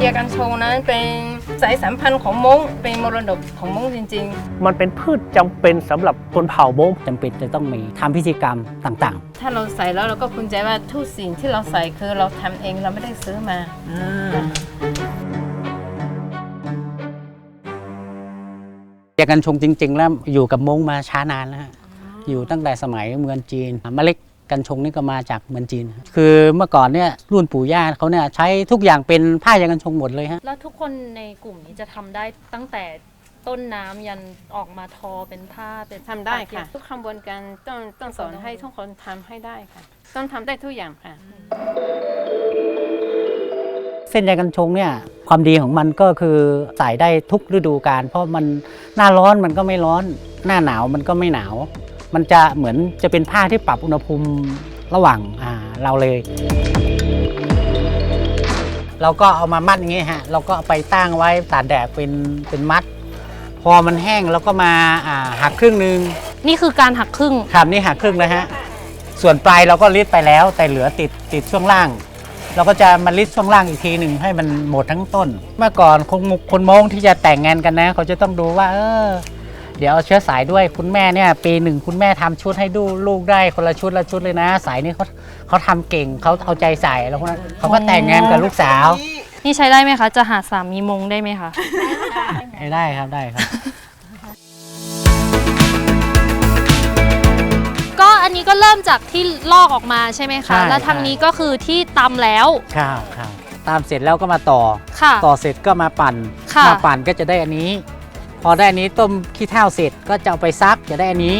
ยกันชงนั้นเป็นสายสัมพันธ์ของม้งเป็นมรดกของม้งจริงๆมันเป็นพืชจำเป็นสำหรับคนเผ่าม้งจำเป็นจะต้องมีทำพิธีกรรมต่างถ้าเราใส่แล้วเราก็ภูมิใจว่าทุกสิ่งที่เราใส่คือเราทำเองเราไม่ได้ซื้อมาๆยากันชงจริงๆแล้วอยู่กับม้งมาช้านานแล้วอยู่ตั้งแต่สมัยเมืองจีนเมล็ดกันชงนี่ก็มาจากเมืองจีนคือเมื่อก่อนเนี่ยรุ่นปู่ย่าเขาเนี่ยใช้ทุกอย่างเป็นผ้ายากันชงหมดเลยฮะแล้วทุกคนในกลุ่มนี้จะทำได้ตั้งแต่ต้นน้ำยันออกมาทอเป็นผ้าเป็นทำได้ค่ะทุกขบวนการต้องสอนให้ทุกคนทำให้ได้ค่ะต้องทำได้ทุกอย่างค่ะเส้นยากันชงเนี่ยความดีของมันก็คือใส่ได้ทุกฤดูกาลเพราะมันหน้าร้อนมันก็ไม่ร้อนหน้าหนาวมันก็ไม่หนาวมันจะเหมือนจะเป็นผ้าที่ปรับอุณหภูมิระหว่างเราเลยเราก็เอามามัดอย่างงี้ฮะเราก็เอาไปตั้งไว้ตากแดดเป็นมัดพอมันแห้งเราก็มาหักครึ่งนึงนี่คือการหักครึ่งครับนี่หักครึ่งนะฮะส่วนปลายเราก็รีดไปแล้วแต่เหลือติดช่วงล่างเราก็จะมารีดช่วงล่างอีกทีหนึ่งให้มันหมดทั้งต้นเมื่อก่อนคนม้งที่จะแต่งงานกันนะเขาจะต้องดูว่าเดี๋ยวเอาเชื้อสายด้วยคุณแม่เนี่ยปีหนึ่งคุณแม่ทำชุดให้ดูลูกได้คนละชุดเลยนะสายนี้เขาทำเก่งเขาเอาใจใส่แล้วคนนั้นเขาก็แต่งงานกับลูกสาวนี่ใช้ได้ไหมคะจะหาสามีมงได้ไหมคะได้ครับก็อันนี้ก็เริ่มจากที่ลอกออกมาใช่ไหมคะแล้วทางนี้ก็คือที่ตำแล้วครับตำเสร็จแล้วก็มาต่อเสร็จก็มาปั่นก็จะได้อันนี้พอได้อันนี้ต้มขี้เถ้าเสร็จก็จะเอาไปซักจะได้อันนี้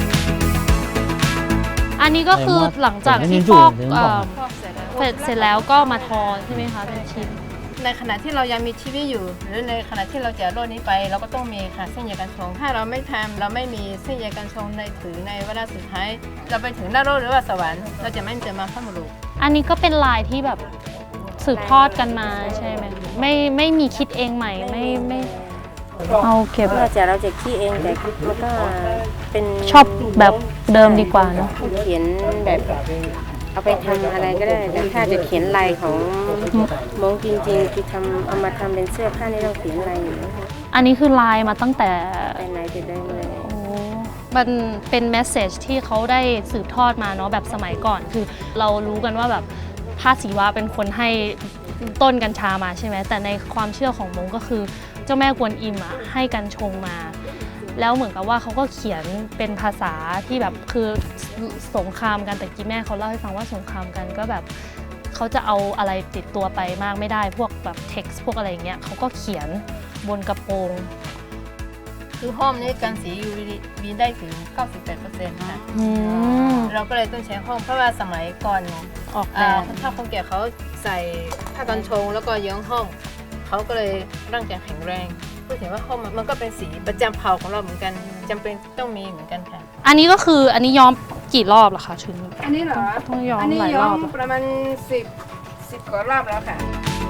ก็คือหลังจากที่ฟอกเสร็จแล้วก็มาทอใช่ไหมคะเป็นชิ้นในขณะที่เรายังมีชีวิตอยู่หรือในขณะที่เราจะโลกนี้ไปเราก็ต้องมีค่ะเส้นใยกันชงถ้าเราไม่ทำเราไม่มีเส้นใยกันชงในเวลาสุดท้ายเราไปถึงนรกหรือว่าสวรรค์เราจะไม่เจอมาพระมรุอันนี้ก็เป็นลายที่แบบสืบทอดกันมาใช่ไหมไม่มีคิดเองใหม่ไม่เอาเก็บเราจะคิดเองแต่มันก็เป็นชอบแบบเดิมดีกว่าเนาะเขียนแบบเอาไปทำอะไรก็ได้แต่ถ้าจะเขียนลายของม้งจริงๆที่เอามาทำเป็นเสื้อผ้านี่เราเขียนลายอยู่นะคะอันนี้คือลายมาตั้งแต่ไหนแต่ได้เลยมันเป็นเมสเซจที่เขาได้สืบทอดมาเนาะแบบสมัยก่อนคือเรารู้กันว่าแบบพระศิวะเป็นคนให้ต้นกัญชามาใช่ไหมแต่ในความเชื่อของม้งก็คือเจ้าแม่กวนอิมให้กัญชงมาแล้วเหมือนกับว่าเขาก็เขียนเป็นภาษาที่แบบคือสงครามกันแต่กี้แม่เขาเล่าให้ฟังว่าสงครามกันก็แบบเขาจะเอาอะไรติดตัวไปมากไม่ได้พวกแบบเท็กซ์พวกอะไรอย่างเงี้ยเขาก็เขียนบนกระโปรงคือห้อมนี้กันสี UVB ได้ถึง 98% ค่ะเราก็เลยต้องใช้ห้อมเพราะว่าสมัยก่อนออกแบบถ้าคนแก่เขาใส่ผ้ากันชงแล้วก็ย้อมห้อมเขาก็เลยร่างกายแข็งแรงพูดถึงว่าห้อมมันก็เป็นสีประจำเผ่าของเราเหมือนกันจำเป็นต้องมีเหมือนกันค่ะอันนี้ก็คืออันนี้ย้อมกี่รอบล่ะคะชุดอันนี้เหรอต้องย้อมหลายรอบประมาณ10กว่ารอบแล้วค่ะ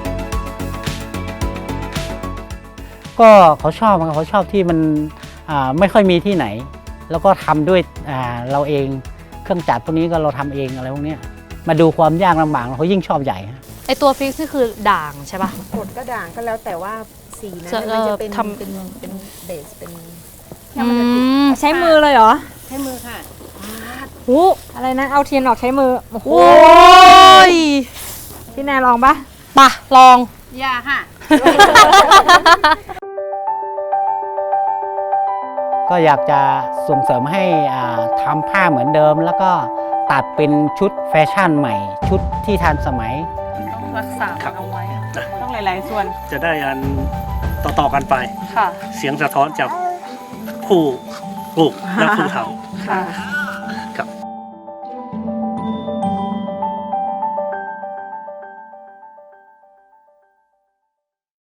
ก็เขาชอบที่มันไม่ค่อยมีที่ไหนแล้วก็ทำด้วยเราเองเครื่องจักรพวกนี้ก็เราทำเองอะไรพวกนี้มาดูความยากลำบากเขายิ่งชอบใหญ่ไอตัวฟิกซ์นี่คือด่างใช่ป่ะกดก็ด่างก็แล้วแต่ว่าสีนั้นมันจะเป็นเบสเป็นใช้มือเลยเหรอใช้มือค่ะโอ้อะไรนะเอาเทียนออกใช้มือโอ้โหพี่แนนลองปะลองอย่าค่ะก็อยากจะส่งเสริมให้ทำผ้าเหมือนเดิมแล้วก็ตัดเป็นชุดแฟชั่นใหม่ชุดที่ทันสมัยต้องรักษาเอาไว้ต้องหลายๆส่วนจะได้อันต่อกันไปเสียงสะท้อนจากผู้ปลูกและผู้ทำ